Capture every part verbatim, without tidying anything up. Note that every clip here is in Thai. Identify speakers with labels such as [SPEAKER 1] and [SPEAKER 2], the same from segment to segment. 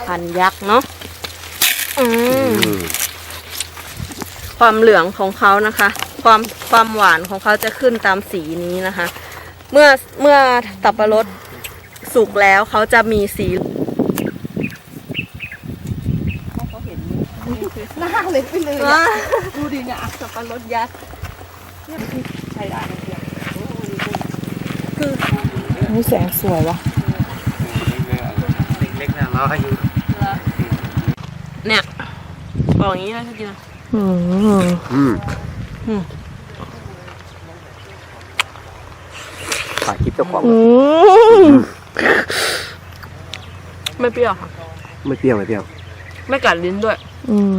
[SPEAKER 1] พันธุ์ยักษ์เนาะอืมความเหลืองของเขานะคะ ความความหวานของเขาจะขึ้นตามสีนี้นะคะ เมื่อเมื่อสับปะรดสุกแล้วเขาจะมีสีเขาเห็นหน้าเล็กไปเลยดูดิเนี่ยสับปะรดยักษ์เนี่ยใช้ได้คือ
[SPEAKER 2] นี่แสงสวยวะ
[SPEAKER 3] เล็กๆเนี่ยเราให้อยู่
[SPEAKER 1] เนี่ยบอกอย่างนี้เลยทีเดียว
[SPEAKER 2] อืม
[SPEAKER 3] อืม
[SPEAKER 1] อืม
[SPEAKER 3] ถ่ายคลิปเจ้าของ
[SPEAKER 1] ไม่เปรี้ยวค่ะ
[SPEAKER 3] ไม่เปรี้ยวไม่เปรี้ยว
[SPEAKER 1] ไม่กัดลิ้นด้วย
[SPEAKER 2] อืม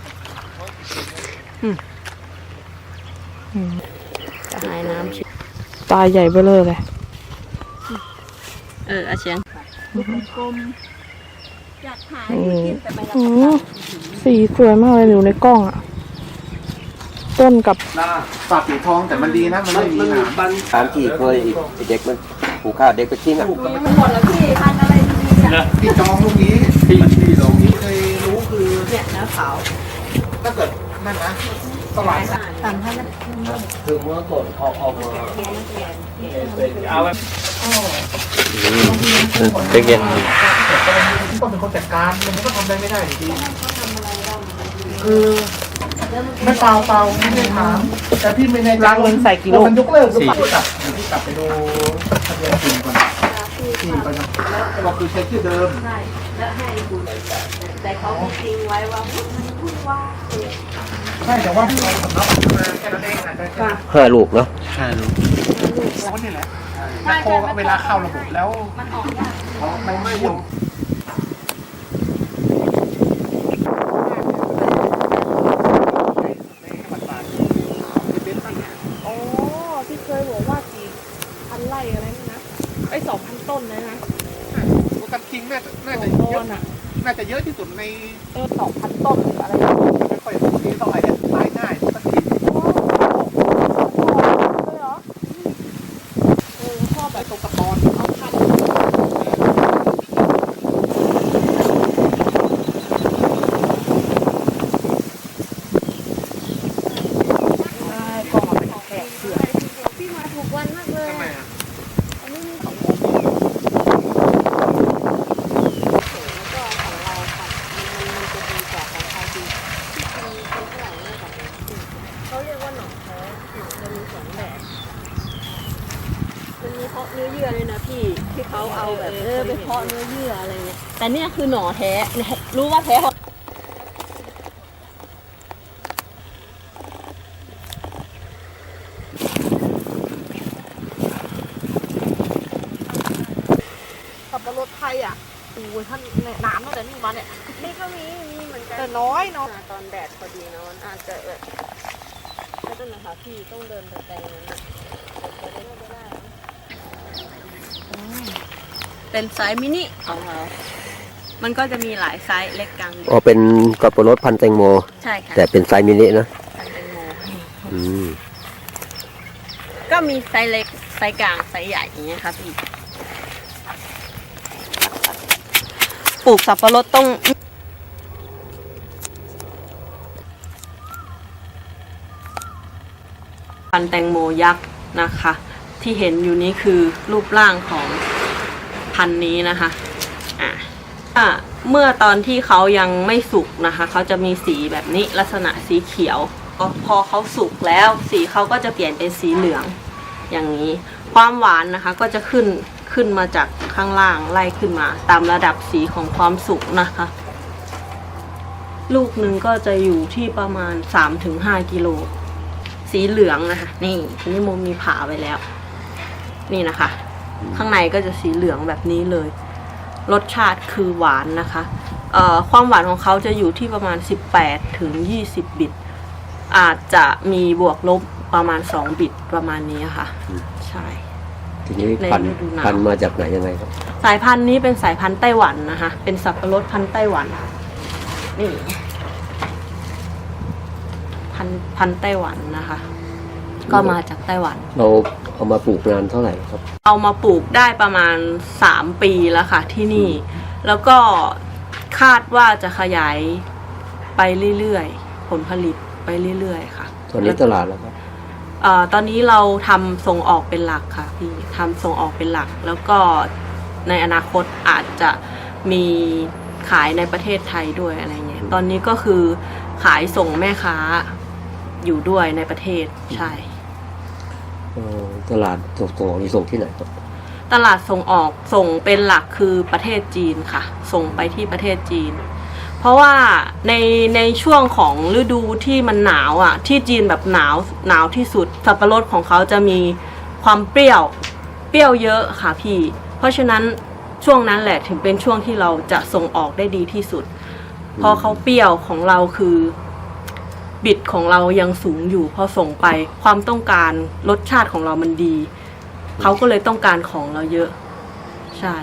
[SPEAKER 1] อืมจะหายน้ำชิ
[SPEAKER 2] ตาใหญ่เบ้อเลยเลย
[SPEAKER 1] เอออาเชียงกลมอยากหายกินแต่ไม่รับ
[SPEAKER 2] สีสวยมากเลยอยู่ในกล้องอ่ะต้นกับ
[SPEAKER 4] ปากสีทองแต่มันดีนะมันไม่มีหนาม
[SPEAKER 3] สามขีดเลยอีกเด็กมันผูกข้าวเด็กไปทิ้งอ่ะ
[SPEAKER 1] มันหมดแล้วพี่พันอะไรดีอ่ะ
[SPEAKER 4] ที่จองลูกนี้ที่ที่เราที่เคยรู้คือ
[SPEAKER 1] เนี่ยเนื้อขาว
[SPEAKER 4] ถ้าเกิดนั่นนะสลาย
[SPEAKER 1] สามพันนะ
[SPEAKER 3] คือเมื่อก่อนเขาเอามาเอาแบบเป็นเย็น
[SPEAKER 4] ต้องเป็นคนจัดการมันก็ทำได้ไม่ได้ดีคือไม่เปล่าเปล่าไม่ได้ถามแต่พี่ไม่ใน
[SPEAKER 2] ล้างเงินใส่กิโล
[SPEAKER 4] มันยกเลิกหรือเปล่ากลับที่กลับไปดูทะเบียนจริงก่อนที่ก่อนก็คือใช้ชื่อเดิม
[SPEAKER 1] ใช่แล้วให้คุณแต่เขาทิ้งไว้ว่าพูดพูดว่า
[SPEAKER 4] ใช่แต่ว่าที่เราสำนักมาแค่นั้นเองอาจจะ
[SPEAKER 3] ห้าลูกเนาะห้าลูก
[SPEAKER 4] โอ้นี่แหละแมคโครเวลาเข้าระบบแล้ว
[SPEAKER 1] มันออกยาก
[SPEAKER 4] มันไม่ยุ่ง
[SPEAKER 2] ไอ้สองพันต้นเลยนะ
[SPEAKER 4] โอกาสคิงน่าจะน่าจะเยอะน่าจะเยอะที่สุดใน
[SPEAKER 2] เออสองพันต้นอะไร
[SPEAKER 4] ไม่ค่อยดีเท่าไหร่เนี่ยตายง่ายสักที
[SPEAKER 2] เลยเหรอเออชอบแบบตรงกระปอนเอาพันก็มาเป็นแขกเสือ
[SPEAKER 1] พี่มาถูกวันมากเลย
[SPEAKER 4] ทำไมอ่ะ
[SPEAKER 1] เขาเรียกว่าหนองแท้หนองจะมีสองแบบมันมีเพาะเนื้อเยื่อเลยนะพี่ที่เขาเอาแบบเออไปเพาะเนื้อเยื่ออะไรเงี้ยแต่เนี่ยคือหน่อแท้รู้ว่าแท้
[SPEAKER 2] สับปะรดไทยอ่ะโอ้ยท่านน้ำตั้งแต่นี่มาเนี่ย
[SPEAKER 1] นี่ก็มีมีเหมือนกัน
[SPEAKER 2] แต่น้อยเนาะ
[SPEAKER 1] ตอนแดดพอดีเนาะอาจจะแบบไม่ต้องนะคะพี่ต้องเดินไปแปลงนั้นเป็นไซส์มินิของเรามันก็จะมีหลายไซส์เล็กกลาง
[SPEAKER 3] อ๋อเป็นสับปะรดพันธุ์แตงโม
[SPEAKER 1] ใช่ค่ะ
[SPEAKER 3] แต่เป็นไซส์มินินะ
[SPEAKER 1] พันธุ์แตงโม
[SPEAKER 3] อืม
[SPEAKER 1] ก็มีไซส์เล็กไซส์กลางไซส์ใหญ่อย่างเงี้ยครับพี่ปลูกสับปะรดต้องพันธุ์แตงโมยักษ์นะคะที่เห็นอยู่นี้คือรูปร่างของพันธุ์นี้นะคะอ่ะเมื่อตอนที่เขายังไม่สุกนะคะเขาจะมีสีแบบนี้ลักษณะสีเขียวพอเขาสุกแล้วสีเขาก็จะเปลี่ยนเป็นสีเหลืองอย่างนี้ความหวานนะคะก็จะขึ้นขึ้นมาจากข้างล่างไล่ขึ้นมาตามระดับสีของความสุกนะคะลูกหนึ่งก็จะอยู่ที่ประมาณ สามถึงห้า กิโลสีเหลืองนะคะนี่นี่โมมีผ่าไว้แล้วนี่นะคะข้างในก็จะสีเหลืองแบบนี้เลยรสชาติคือหวานนะคะเอ่อความหวานของเขาจะอยู่ที่ประมาณสิบแปดถึงยี่สิบบิตอาจจะมีบวกลบประมาณสองบิตประมาณนี้ค่ะใช่
[SPEAKER 3] ทีนี้พันธุ์พันธุ์มาจากไหนยังไงครับ
[SPEAKER 1] สายพันธุ์นี้เป็นสายพันธุ์ไต้หวันนะคะเป็นสับปะรดพันธุ์ไต้หวันนี่พันธุ์พันธุ์ไต้หวันนะคะก็มาจากไต้หวัน
[SPEAKER 3] เราเอามาปลูกนานเท่าไหร่ครับ
[SPEAKER 1] เอามาปลูกได้ประมาณสามปีแล้วค่ะที่นี่แล้วก็คาดว่าจะขยายไปเรื่อยๆผลผลิตไปเรื่อยๆค่ะ
[SPEAKER 5] ตอนนี้ตลาดแล้วครับ
[SPEAKER 1] เอ่อตอนนี้เราทำส่งออกเป็นหลักค่ะพี่ทำส่งออกเป็นหลัก แล้วก็ในอนาคตอาจจะมีขายในประเทศไทยด้วยอะไรเงี้ยตอนนี้ก็คือขายส่งแม่ค้าอยู่ด้วยในประเทศใช่
[SPEAKER 5] เอ่อตลาดส่งส่งนี่ส่งที่ไหนครับ
[SPEAKER 1] ตลาดส่งออกส่งเป็นหลักคือประเทศจีนค่ะ ส่งไปที่ประเทศจีน เพราะว่าในในช่วงของฤดูที่มันหนาวอ่ะที่จีนแบบหนาวหนาวที่สุดสับปะรดของเขาจะมีความเปรี้ยวเปรี้ยวเยอะค่ะพี่เพราะฉะนั้นช่วงนั้นแหละถึงเป็นช่วงที่เราจะส่งออกได้ดีที่สุดเพราะเขาเปรี้ยวของเราคือบิดของเรายังสูงอยู่พอส่งไปความต้องการรสชาติของเรามันดีเขาก็เลยต้องการของเราเยอะใช่